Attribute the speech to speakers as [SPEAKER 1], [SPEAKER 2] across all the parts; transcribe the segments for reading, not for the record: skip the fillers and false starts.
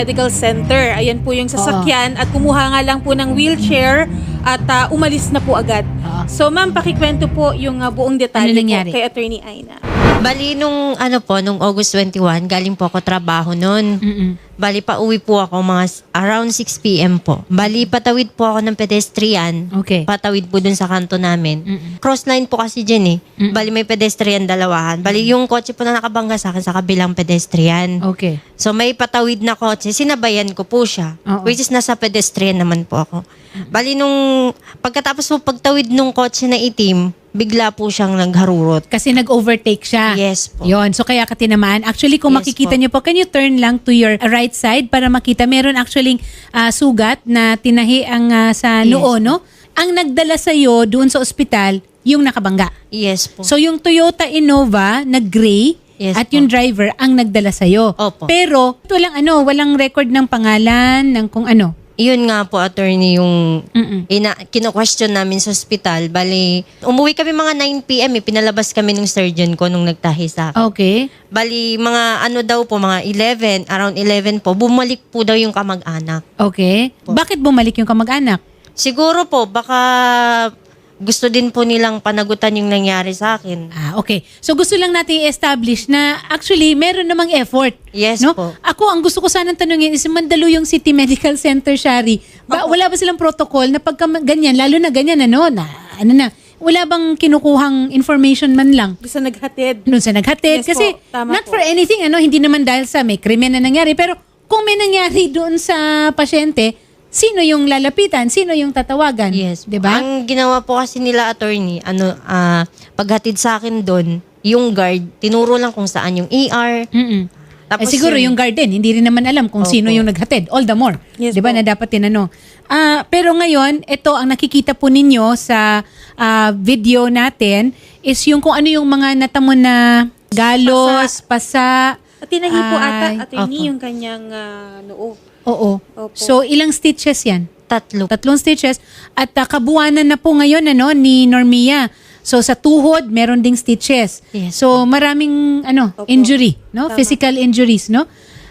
[SPEAKER 1] Medical Center. Ayan po yung sasakyan at kumuha nga lang po ng wheelchair at umalis na po agad. So ma'am, pakikwento po yung buong detalye
[SPEAKER 2] Ano nangyari?
[SPEAKER 1] po kay Attorney Aina.
[SPEAKER 3] Bali, nung August 21, galing po ako trabaho noon. Bali, pauwi po ako around 6 p.m. po. Bali, patawid po ako ng pedestrian.
[SPEAKER 2] Okay.
[SPEAKER 3] Patawid po dun sa kanto namin. Cross line po kasi dyan eh. Bali, may pedestrian dalawahan. Bali, yung kotse po na nakabangga sa akin sa kabilang pedestrian.
[SPEAKER 2] Okay.
[SPEAKER 3] So, may patawid na kotse. Sinabayan ko po siya.
[SPEAKER 2] Oo.
[SPEAKER 3] Which is nasa pedestrian naman po ako. Bali, nung pagkatapos po pagtawid nung kotse na itim, bigla po siyang nagharurot.
[SPEAKER 2] Kasi nag-overtake siya.
[SPEAKER 3] Yes po.
[SPEAKER 2] Yon. So kaya ka tinamaan. Actually, kung
[SPEAKER 3] Yes
[SPEAKER 2] makikita
[SPEAKER 3] po.
[SPEAKER 2] niyo po, can you turn lang to your right side para makita? Meron actually sugat na tinahi ang sa
[SPEAKER 3] Yes
[SPEAKER 2] noo, no? Ang nagdala sa'yo doon sa ospital, yung nakabangga.
[SPEAKER 3] Yes po.
[SPEAKER 2] So yung Toyota Innova na gray
[SPEAKER 3] Yes
[SPEAKER 2] at
[SPEAKER 3] po.
[SPEAKER 2] yung driver ang nagdala sa'yo.
[SPEAKER 3] Opo.
[SPEAKER 2] Pero walang record ng pangalan, ng kung ano.
[SPEAKER 3] Yun nga po, attorney, yung
[SPEAKER 2] Mm-mm.
[SPEAKER 3] kino-question namin sa ospital. Bali, umuwi kami mga 9 p.m. Pinalabas kami ng surgeon ko nung nagtahi sa akin.
[SPEAKER 2] Okay.
[SPEAKER 3] Bali, mga mga 11, around 11 po, bumalik po daw yung kamag-anak.
[SPEAKER 2] Okay. Bakit bumalik yung kamag-anak?
[SPEAKER 3] Siguro po, baka gusto din po nilang panagutan yung nangyari sa akin.
[SPEAKER 2] Okay. So gusto lang natin i-establish na actually meron namang effort.
[SPEAKER 3] Yes
[SPEAKER 2] No?
[SPEAKER 3] po.
[SPEAKER 2] Ako, ang gusto ko sanang tanungin is Mandaluyong City Medical Center, Shari. Wala ba silang protocol na pagka ganyan, lalo na ganyan, wala bang kinukuhang information man lang?
[SPEAKER 1] Doon sa naghatid.
[SPEAKER 2] Doon sa naghatid.
[SPEAKER 1] Yes
[SPEAKER 2] Kasi
[SPEAKER 1] po, tama
[SPEAKER 2] not
[SPEAKER 1] po.
[SPEAKER 2] for anything, hindi naman dahil sa may krimen na nangyari. Pero kung may nangyari doon sa pasyente, sino yung lalapitan? Sino yung tatawagan?
[SPEAKER 3] Yes.
[SPEAKER 2] Diba?
[SPEAKER 3] Ang ginawa po kasi nila, attorney, paghatid sa akin doon, yung guard, tinuro lang kung saan yung ER. Tapos
[SPEAKER 2] Siguro yung garden, hindi rin naman alam kung
[SPEAKER 3] Opo.
[SPEAKER 2] sino yung naghatid. All the more.
[SPEAKER 1] Yes
[SPEAKER 2] 'Di ba
[SPEAKER 1] po.
[SPEAKER 2] na dapat tinanong. Pero ngayon, ito ang nakikita po ninyo sa video natin is yung kung ano yung mga natamo na galos, pasa.
[SPEAKER 1] At tinahi po ata,
[SPEAKER 2] Ay,
[SPEAKER 1] Attorney,
[SPEAKER 3] opo.
[SPEAKER 1] yung kanyang noo.
[SPEAKER 2] Oo.
[SPEAKER 1] Opo.
[SPEAKER 2] So ilang stitches 'yan?
[SPEAKER 3] 3.
[SPEAKER 2] 3 stitches at kabuuanan na po ngayon ni Normia. So sa tuhod meron ding stitches.
[SPEAKER 3] Yes.
[SPEAKER 2] So maraming
[SPEAKER 1] Opo.
[SPEAKER 2] injury, no?
[SPEAKER 1] Tama.
[SPEAKER 2] Physical injuries, no?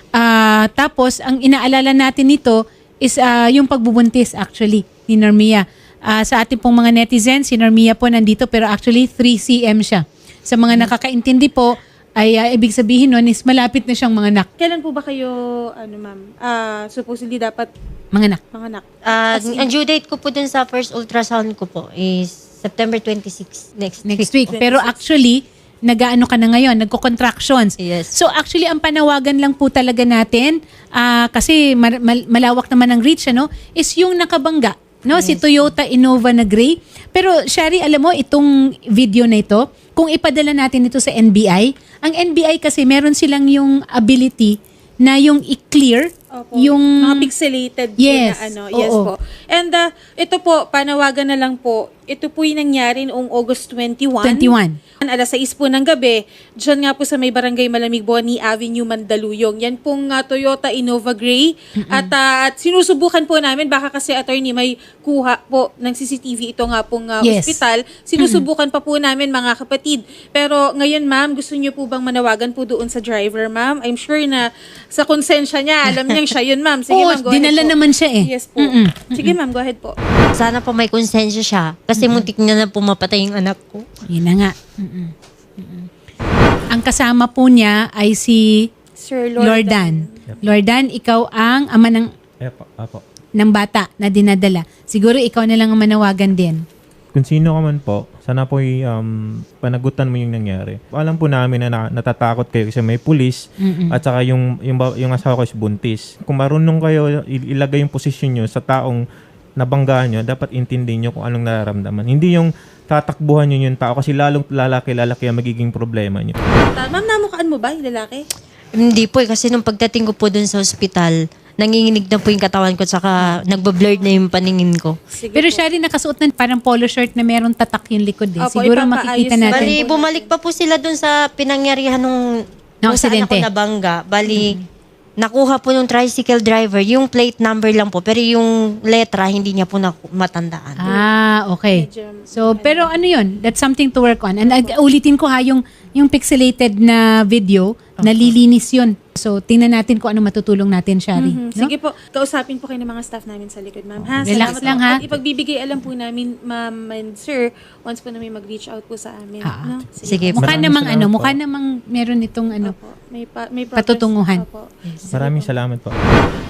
[SPEAKER 2] Tapos ang inaalala natin nito is yung pagbubuntis actually ni Normia. Sa ating pong mga netizens, si Normia po nandito pero actually 3 cm siya. Sa mga nakakaintindi po ay ibig sabihin nun is malapit na siyang manganak.
[SPEAKER 1] Kailan po ba kayo, ma'am, supposedly dapat
[SPEAKER 2] Manganak.
[SPEAKER 1] manganak?
[SPEAKER 3] Ang due date ko po dun sa first ultrasound ko po is September 26 next
[SPEAKER 2] Week. Pero actually, nag-ano ka na ngayon, nagko-contractions.
[SPEAKER 3] Yes.
[SPEAKER 2] So actually, ang panawagan lang po talaga natin, kasi malawak naman ang reach, is yung nakabangga. No? Si Toyota Innova na gray. Pero Shari, alam mo, itong video na ito, kung ipadala natin ito sa NBI, ang NBI kasi meron silang yung ability na yung i-clear
[SPEAKER 1] Opo.
[SPEAKER 2] yung...
[SPEAKER 1] Mga pixelated
[SPEAKER 2] Yes.
[SPEAKER 1] po na Yes
[SPEAKER 2] Oo.
[SPEAKER 1] po. And ito po, panawagan na lang po, ito po yung nangyari noong August 21.
[SPEAKER 2] 21.
[SPEAKER 1] Alas 6 po ng gabi, dyan nga po sa may barangay Malamig Boni Avenue, Mandaluyong. Yan pong Toyota Innova Gray. At sinusubukan po namin, baka kasi attorney may kuha po ng CCTV ito nga pong
[SPEAKER 2] Yes.
[SPEAKER 1] ospital. Sinusubukan pa po namin mga kapatid. Pero ngayon ma'am, gusto niyo po bang manawagan po doon sa driver ma'am? I'm sure na sa konsensya niya, alam niya siya yun ma'am. Sige
[SPEAKER 2] Oo,
[SPEAKER 1] ma'am, go ahead
[SPEAKER 2] dinala
[SPEAKER 1] po.
[SPEAKER 2] naman siya eh.
[SPEAKER 1] Yes po. Sige ma'am, go ahead po.
[SPEAKER 3] Sana po may konsensya siya. Kasi muntik na pumapatay yung anak ko.
[SPEAKER 2] Yun na nga. Ang kasama po niya ay si
[SPEAKER 1] Sir
[SPEAKER 2] Lordan. Lordan, ikaw ang ama
[SPEAKER 4] Apo.
[SPEAKER 2] ng bata na dinadala. Siguro ikaw na lang ang manawagan din.
[SPEAKER 4] Kung sino ka man po, sana po panagutan mo yung nangyari. Alam po namin na natatakot kayo kasi may pulis at saka yung asawa ko is buntis. Kung marunong kayo ilagay yung posisyon nyo sa taong nabanggaan nyo, dapat intindihin nyo kung anong nararamdaman. Hindi yung tatakbuhan nyo yung tao kasi lalong lalaki ang magiging problema nyo.
[SPEAKER 1] Ma'am, namukaan mo ba yung lalaki?
[SPEAKER 3] Hindi po kasi nung pagdating ko po dun sa ospital, nanginginig na po yung katawan ko at saka nagbablurred na yung paningin ko.
[SPEAKER 1] Sige
[SPEAKER 2] Pero
[SPEAKER 1] po.
[SPEAKER 2] siya rin nakasuot ng parang polo shirt na merong tatak yung likod eh.
[SPEAKER 1] Opo,
[SPEAKER 2] Siguro
[SPEAKER 1] ipapaayos
[SPEAKER 2] makikita
[SPEAKER 1] na.
[SPEAKER 2] natin.
[SPEAKER 3] Bali, bumalik pa po sila dun sa pinangyarihan nung saan
[SPEAKER 2] aksidente.
[SPEAKER 3] ako nabangga. Bali, nakuha po ng tricycle driver, yung plate number lang po, pero yung letra hindi niya po matandaan.
[SPEAKER 2] Okay.
[SPEAKER 1] Medyo-
[SPEAKER 2] So, pero ano yun? That's something to work on. And ulitin ko yung pixelated na video nalilinis yun. So, tingnan natin kung ano matutulong natin, Shari.
[SPEAKER 1] Mhm.
[SPEAKER 2] No?
[SPEAKER 1] Sige po, kausapin po kayo ng mga staff namin sa likod, ma'am. Ha?
[SPEAKER 2] Relax
[SPEAKER 1] Salamat
[SPEAKER 2] lang,
[SPEAKER 1] po.
[SPEAKER 2] ha?
[SPEAKER 1] At ipagbibigay alam po namin, ma'am and sir, once po na may mag-reach out po sa amin. No?
[SPEAKER 3] Sige po.
[SPEAKER 2] Mukha
[SPEAKER 4] Maraming
[SPEAKER 2] namang
[SPEAKER 4] salamat po.
[SPEAKER 2] mukha namang meron itong
[SPEAKER 1] Opo. May progress.
[SPEAKER 2] patutunguhan.
[SPEAKER 1] Opo.
[SPEAKER 4] Maraming salamat po.